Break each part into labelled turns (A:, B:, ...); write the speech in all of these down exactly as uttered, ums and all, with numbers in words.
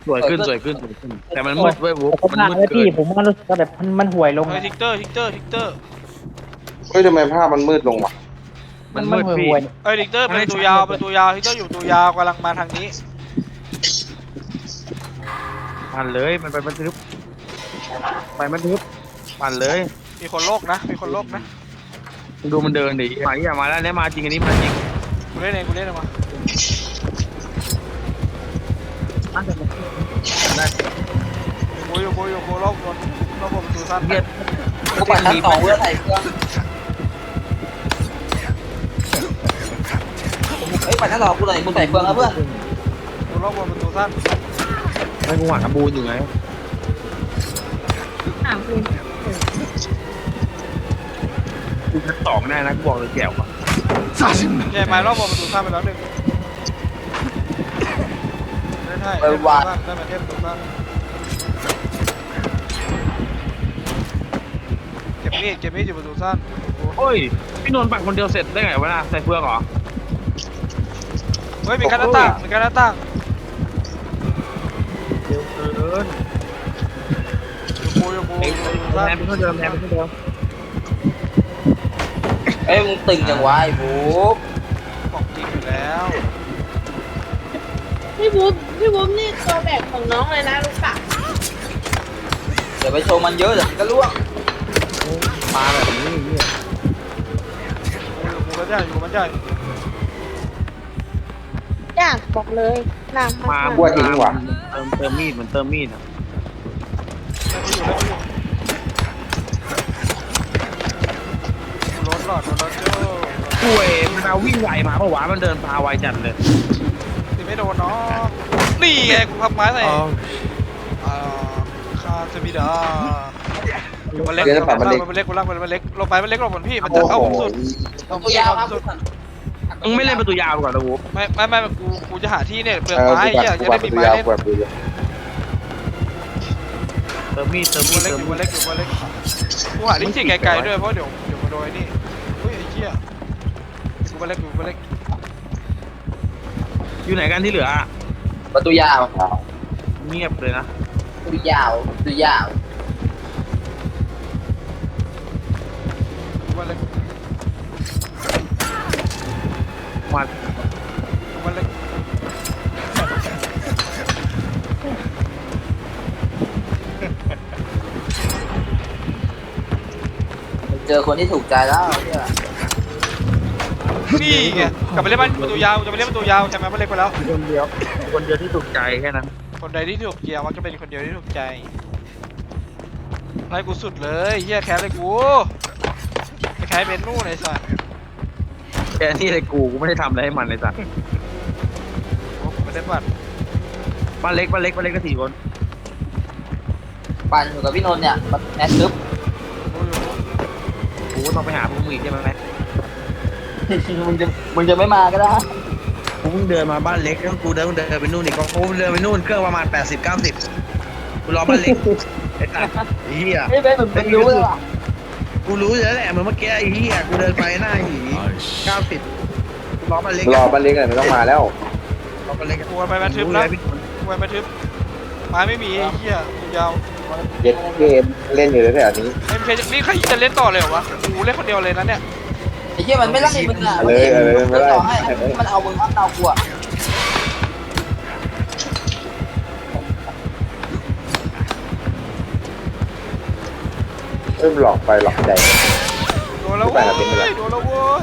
A: วยขึ้นสวยขึ้นสวยขึ้นแต่มันมืดเว้ยบุ๊ก
B: ผม
A: มัน
B: ว่า
A: มืด
B: แล้ว
A: เกิ
B: พี่
A: น
B: ผมว่ารู้สึกว่าแบบมันมันห่วยลง
C: เฮ้ยทิกเตอร์ทิกเตอร์ทิกเตอร์
D: เฮ้ยทำไมภาพมันมืดลงวะ
A: มันมืด
B: ห่วย
A: พี่
B: ห่วย
C: เฮ้ยทิกเตอร์เป็นตัวยาวเป็นตัวยาวทิกเตอร์อยู่ตัวยาวกำลังมาทางนี้
A: ปั่นเลยมันไปมันทึบไปมันทึบปั่นเลย
C: มีคนโลกนะมีคนโลกนะ
A: ดูมันเดินดิมาที่มาแล้วเนี่ยมาจริงอันนี้มาจริง
C: กูเล่นเองกูเล่นเองมา
A: อันแต่ได้
C: กูอยู่กูอยู่กูโลกบนโลกบนประตูสั้น
A: เบียด
E: กูปั่นชั้นสองเพื่อใส่เครื่องเฮ้ยปั่นชั้นสองกูหน่อยกูใส่เครื่องแล้วเพื่อน
C: กูโลกบนประตูสั้น
A: ไม่กูหาบูนอยู่ไง
F: ถามคุณ
A: กูชั้นสองแน่นะกูบอกเลยแก้วอ่ะ
C: ใช่ไหมโลกบนประตูสั้นไปแล้วหนึ่งได้ใช่ได้ประตูสั้นได้มาเทพประตูสั้นเก็บมีดเก็บมีดอยู่ประตูสั้น
A: โอ้ยพี่นนท์ปั่นคนเดียวเสร็จได้ไงวะน่ะใส่เฟืองเหรอ
C: เฮ้ยมีการหน้าต่างมีการหน้าต่าง
A: เร็วเกิน
C: อยู่กูอยู่กู
A: เอ็ง
C: ประตูสั้น
A: แทนเป็นเท่าเดิมแทนเป็นเท่าเดิม
E: เอ้ยมึงตึงจังวะไอ้บุ๊ก
C: ของจริงอยู่แล้ว
F: พี่บุ๊บพี่บุ๊บนี่ตัวแบกของน้องเลยนะรู้ปะ
E: เดี๋ยวไปโชว์มันเยอะเดี๋ยวมันก็ล่วง
A: ปลาแบบนี้เนี่ย
C: อยู่กูก็ได้อยู่มันได้
F: ยากบอกเลยหนัก
A: มาม
F: าก
D: กลัวทิ้งว่ะ
A: เติมเติมมีดมันเติมมีดอ่ะ
C: ได้ที่อยู่ได้ที่อยู่กูรถหลอดรถเจ้า
A: ป่วยมันเอาวิ่งไวมาเพราะว่ามันเดินพาไวจัดเลย
C: ตีไม่โดนเนาะนี่ไงกูพับไม้ใส่อ่าคาเซมิดามันเล็กมันเล็กมันเล็กกูรักมันมันเล็กลงไปมันเล็กลงบนพี่มันจะ
D: โอ้โห
C: เข้าผมสุด
E: ตัวยาวครับ
A: มึงไม่เล่นประตูยาวก่อนนะวูบ
C: ไม่ไม่ไม่กูกูจะหาที่เนี่ยเปลือก
D: เออ
C: ไม้
D: กู
C: เหี้ย
D: ปั่น
C: จะ
D: กู
C: ได้
D: ปั่น
C: มี
D: ประตู
C: ไม้
D: ยาว
C: เล่น
D: กูปั่นประตูยาว
A: เติมมีดเติมมี
C: ตัว
A: ด
C: เล็ก
A: เติม
C: อยู่
A: มีด
C: ตัวเล็กกูหาที่จิกไกลๆด้วยเพราะเดี๋ยวเดี๋ยวมาโดนนี่เฮ้ยไอ้เหี้ยกูตัวเล็กอยู่ตัวเล็ก
A: อยู่ไหนกันที่เหลือ
E: ประตูยาว
A: เงียบเลยนะ
E: ประตูยาวประตูยาว
C: กูตัวเล็ก
A: มา
C: กูตัวเล็ก
E: เจอคนที่ถูกใจแล้วเนี่ย
C: นี่ไงกลับไปเล่นบ้านประตูยาวจะไปเล่นประตูยาวใช่ไหมมันเล็กไปแล้ว
A: คนเดียวคนเดียวที่ถูกใจแค่นั้น
C: คนใดที่ถูกเกียร์มักจะเป็นคนเดียวที่ถูกใจไล่กูสุดเลยเฮียแคสเลยกูไอ้แคสเป็นนู่นไอ้สัส
A: แค่นี้เลยกูกูไม่ได้ทำอะไรให้มันเลยสัตว์
C: โอ้กูไม่ได้บัตร
A: บ้านเล็กบ้านเล็กบ้านเล็กก็สี่คน
E: ปั่นอยู่กับพี่นนท์เนี่ยแมทซึบ
C: กูอยู่
A: กูก็ต้องไปหาพวกมึงอีกใช่ไหม
E: มึงจะมึงจะไม่มาก็ได้
A: กูเพิ่งเดินมาบ้านเล็กแล้วกูเดินเดินไปนู่นอีกกูเดินไปนู่นเครื่องประมาณแปดสิบเก้าสิบกูรอบ้านเล็กไอ้ตัดไอ้เหี้ย
E: ไม่เป็นมึงรู้เลยว่ะ
A: กูรู้อยู่แล้วแหละเหมือนเมื่อกี้ไอ้เหี้ยกูเดินไปหน้าหีเก้าสิบรอบ้านเล็ก
D: รอบ้านเล็กเลยไม่ต้องมาแล้ว
A: รอบ้านเล็ก
C: กูไปแมททึบนะกูไปแมททึบไม้ไม่มีไอ้เฮียยาว
D: เย็ดเกมเล่นอยู่แถวๆนี้
C: ไม่ใช่นี่ใครจะเล่นต่อเลยเหรอวะกูเล่นคนเดียวเลยนะเนี่ย
E: ไอ้เหี้ยมันไม่ไล่มึงอ่ะ
D: เลยเออไม่ไล่
E: ต่อให้มันเอามึงเอากูอ่ะ
D: เริ่มหลอกไปหลอกใจ
C: โดนแล้วเว้ยโดนแล้วเว้ย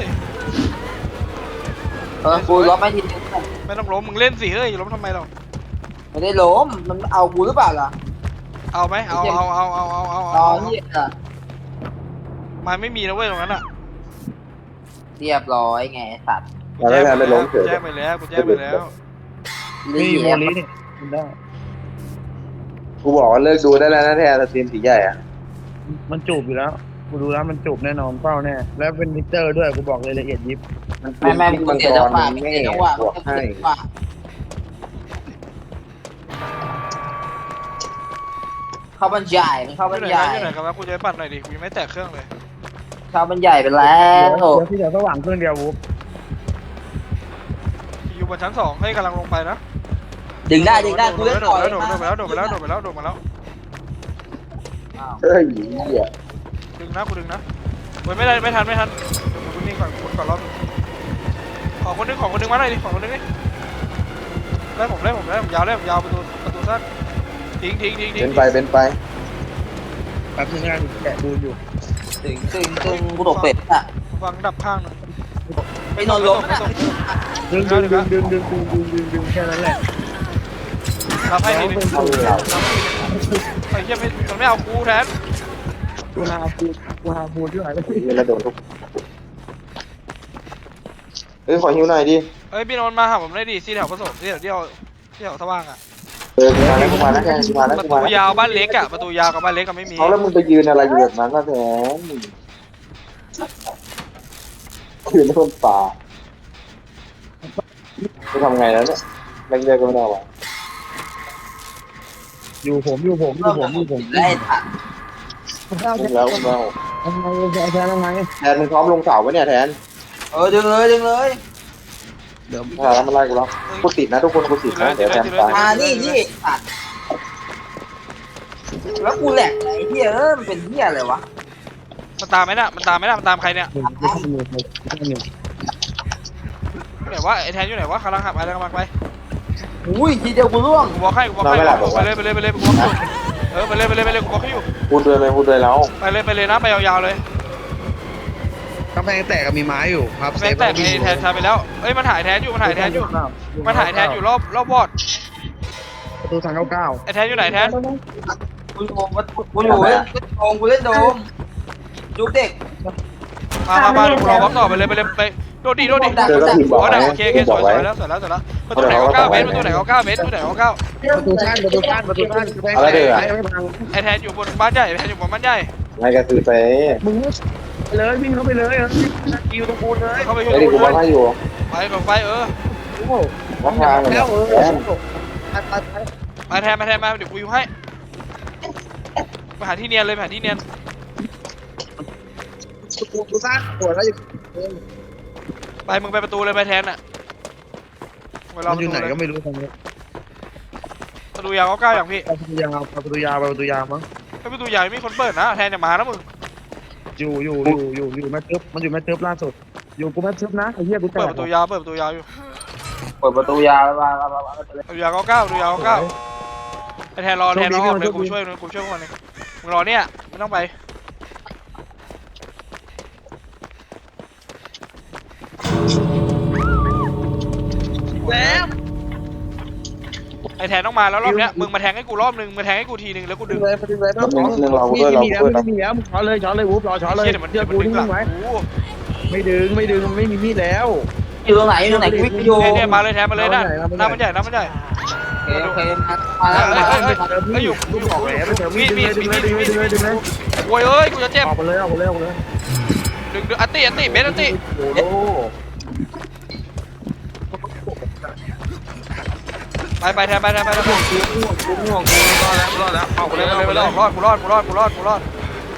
E: เออกูล็อกไม่ทีนึง
C: ไม่ต้องล้มมึงเล่นสิเฮ้ยล้มทำไมเรา
E: ไม่ได้ล้มมันเอากูหรือเปล่าล่ะ
C: เอาไหมเอาเอาเอาเอาเอาเอา
E: อ๋อ
C: เอา
E: เหี้ยอ่ะ
C: ไม้ไม่มีนะเว้ยตรงนั้นอ่ะ
E: เรียบร้อยไงสัตว์
D: เราไม่ทันไปล้มเฉย
C: แจ้งไปแล้วกูแจ้งไปแล้ว
E: รี
A: นี่
E: บ
A: โมลีนี่ได้
D: กูบอกว่าเลิกดูได้แล้วนะแทนสตรีมสีใหญ่อะ
A: มันจูบอยู่แล้วกูดูแล้วมันจูบแน่นอนเป้าแน่แล้วเป็นมิเตอร์ด้วยกูบอกเลยละเอียดยิบ
E: ไม่ไม่มึง
D: มัง
E: เสีย
D: ก
E: จัง
D: ร
E: หวะ
D: มัน
E: เสี
D: แม่
E: ยจังหวะ
D: บวกให้
E: เข้าบรรยายมันเข้าบรร
C: ที่
E: ยาย
C: ไหนที่ไหนกันวะกูจะไปปั่นหน่อยดิกูยังไม่แตะเครื่องเลย
E: เข้าบรรยายไปแล้ว
A: เดี๋ยวที่เดี๋ยวสว่างเครื่องเดียววูบ
C: อยู่บนชั้นสองให้กำลังลงไปนะ
E: ดึงได้ดึงได้กูเล่น
C: โด
E: ต่อ
C: ด
E: ย
C: แล้วโดดไปแล้วโดดไปแล้วโดดไปแล้วโดดมาแล้ว
D: เฮ้ยเหี้ย
C: ดึงนะกูดึงนะเว้ยไม่ได้ไม่ทันไม่ทันกูนิ่งก่อนกูก่อนรอบขอคนนึงขอคนนึงมาหน่อยดิขอคนนึงดิไล่ผมไล่ผมไล่ผมยาวไล่ผมยาวประตูประตูสั้นทิ้งทิ้งทิ้งทิ้
D: เป็
C: ง
D: นไปเป็นไป
A: แป๊บนึงนะแกะดูอยู่
E: ตึงตึงตึงกูตกเป็ดอ่ะ
C: วางดับข้างหน่อย
E: ไปนอนล้มนะ
A: ดึงดึงดึงดึงดึงดึงดึงดึงดึงแค่นั้นแหละ
C: รับให้ทีนึง
D: เอาเลยเรา
C: ไอ้เหี้ยไม่มันไม่เอากูแทน
A: กูหาฟูกูหาฟูที่ไหนไป
D: เฮ้ยแล้วโดนทุกเฮ้ยขอหิวหน่อยดิ
C: เอ้ยพี่นนท์มาหาผมได้ดิที่แถวผสมที่แถวที่เอาที่แถวสว่างอ่ะ
D: เออกูมาแล้วกูมาแล้วแทนกูมาแล้ว
C: ประ
D: กู
C: ตู
D: มาแล้ว
C: ยาวบ้านเล็กอ่ะประตูยาวกับบ้านเล็กก็ไม่มี
D: เอาแล้วมึงไปยืนอะไรอยู่แบบนั้นล่ะแทนยืนบนป่าจะทำไงแล้วเนี่ยแรงเยอะก็ไม่ได้วะ
A: อยู่ผมอยู่ผมอยู่ผมอยู่ผม
E: ไล่ถัด
D: อุ้มแล้วอุ้มแล้ว
A: ทำไมแทนทำไม
D: แทนมึงพร้อมลงเสาปะเนี่ยแทน
E: เออดึงเลยดึงเลย
A: เดี๋ยว
D: ถ้าแล้วมันไล่กูแล้วกูติดนะทุกคนกูติดนะเดี๋ยวแทนตาย
E: มานี่นี่ตัดแล้วกูแหลกไอ้เหี้ยเออมันเป็นเหี้ยอะไรวะ
C: มันตามไหมน่ะมันตามไหมน่ะมันตามใครเนี่ย
A: หนึ่งกูทำมือไปทำมือ
C: อยู่ไหนวะไอ้แทนอยู่ไหนวะกำลังหักไปกำลังไป
E: อุ้ยทีเดียวกูร่วง
C: กูบอกให้กูบอกให้ไปเลยไปเลยไปเลยกูบอกอยู่เออไปเลยไปเลยไปเลยกูบอกให้อยู่
D: พูดด้วยเลยพูดด้วยแล้ว
C: ไปเลยไปเลยนะไปยาวๆเลย
A: กำแพงแตกกับมีไม้อยู่ครับ
C: แม่งแตกไอ้แทนชาไปแล้วเอ้ยมันถ่ายแทนอยู่มันถ่ายแทนอยู่มันถ่ายแทนอยู่รอบรอบวอด
A: ประตูทางเก้าเก้า
C: ไอ้แทนอยู่ไหนแทน
E: กูอยู่กูอยู่เล่นโดมกูเล่นโดมจุกเด็ก
C: มามามาเดี๋ยวกูรอบล็อกต่อไปเลยไปเลยไปโดดดิโดดดิ
D: เจอก็พิมพ์บอก
C: อ๋อ
D: ไว้
C: ได้โอเคโอเคส
D: บ
C: ว
D: อย ก
C: ส
D: ไว้
C: วยแล้วสวยแล้วสวยแล้วประตูไหนเขาเก้าเมตรประตูไหนเขาเก้าเมตรประตูไหนเขาเก้า
A: ประตูสั้นประตูสั้นประตูสั้นกำแพงแตกไม่พัง
C: ไอ้แทนอยู่บนบ้านใหญ่แทนอยู่บนบ้านใหญ่
D: ไม่ก็คือไป
A: มึงไปเลยวิ่งเข้าไปเลยคิวตรงกูเลย
C: เข้าไปช่ว
D: ไอ้
C: ย
D: ดิกู
C: กู
D: บอกให้อยู่
C: ไปกับไฟเออ
A: โอ้โห
D: วัดทางเลย
A: แล้วเออ
D: แทน
A: ไปไปไป
C: มาแทนมาแทนมาเดี๋ยวกูอยู่ให้ไปหาที่เนียนเลยไปหาที่เนียน
A: กูกูสั้นปวดแล้วอยู่
C: ไปมึงไปประตูเลยไปแทนอ่ะไปรอ
A: มัน
C: ป
A: อยู่
C: ระ
A: ไหน
C: ตูเลย
A: ก็ไม่รู้ตรงนี้
C: ประตูยาวเขาเก้าอย่างพี่
A: ประตูยาวประตูยาวประตูยาวมั้ง
C: ถ้าประตูใหญ่ไม่มีคนเปิดนะแทนจะมานะมึง
A: อยู่อยู่อยู่อยู่อยู่แม่ทึบมันอยู่แม่ทึบล่าสุดอยู่กูแม่ทึบนะไอ้เหี้ยกูแต
C: เปิด
A: ก
C: ประตูยาวเปิดประตูยาวอยู่
E: เปิดประตูยาวมามามามา
C: ประตูยาวเขาเก้าประตูยาวเขาเก้าไอ้แทนรอแทนรอออกเลยกูช่วยกูช่วยพวกมันเองมึงรอเนี่ยไม่ต้องไป
A: แล้ว
C: ไอ้แทนต้องมาแล้วรอบเนี้ยมึงมาแทงให้กูรอบนึงมาแทงให้กูทีนึงแล้วกูดึง
A: เลยประตูเลยต้องมีมีแล้วไม่มีแล้วมึงช้อนเลยช้อนเลยวูบรอช้อนเลย
C: เชี่ยเดี๋ยวมัน
A: เชื่
C: เดี๋
A: อ
C: ยวมัน
A: กู
C: ดึงหลั
A: นิ่
C: ง
A: งไว้
C: กู
A: ไม่ดึงไม่ดึงไม่มีมีดแล้ว
E: อยู่ตรงไหนอยู่ตรงไหนกูวิ่งไปอยู่
C: เนี่ยเนี่ยมาเลยแทนมาเลยนะน้ำมันใหญ่น้ำมันใหญ่
E: โอเคโอเคมาแล้ว
C: เฮ้ย
E: มา
C: เฮ้ย
E: แล้ว
C: เฮ้ยเฮ้ยอยู่
A: ลูกออกแล้วเจอมีดดึงเลยดึงเลยดึงเลยดึงเลยดึงเลย
C: โว้ยเอ้ยกูจะเจ็บ
A: ออกไปเลยออกไปเลยออกไปเลย
C: ดึงดึงอัตติอัตติเบสอัตติ
A: โอ้โห
C: ไปไปแทนไปแทนไปแทน
A: กูกูง่วงกูรอดแล้วรอดแล้วออก
C: กู
A: ไป
C: เล
A: เลย ย
C: ไปเลยไปเลยรอดกูรอดกูรอดกูรอดกูรอด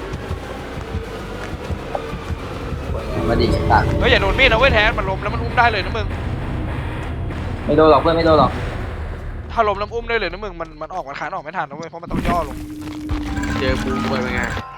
E: มาดิตัด
C: เฮ้ยอย่าโดนมีดนะเว้ยแทนมันล้มแล้วมันอุ้มได้เลยนะมึง
E: ไม่โดนหรอกเพื่อนไม่โดนหรอก
C: ถ้าล้มแล้วอุ้มได้เลยนะมึงมันมันออกมันขานออกไม่ทันนะเว้ยเพราะมันต้องย่อลง
A: เจอกูไปเป็นไง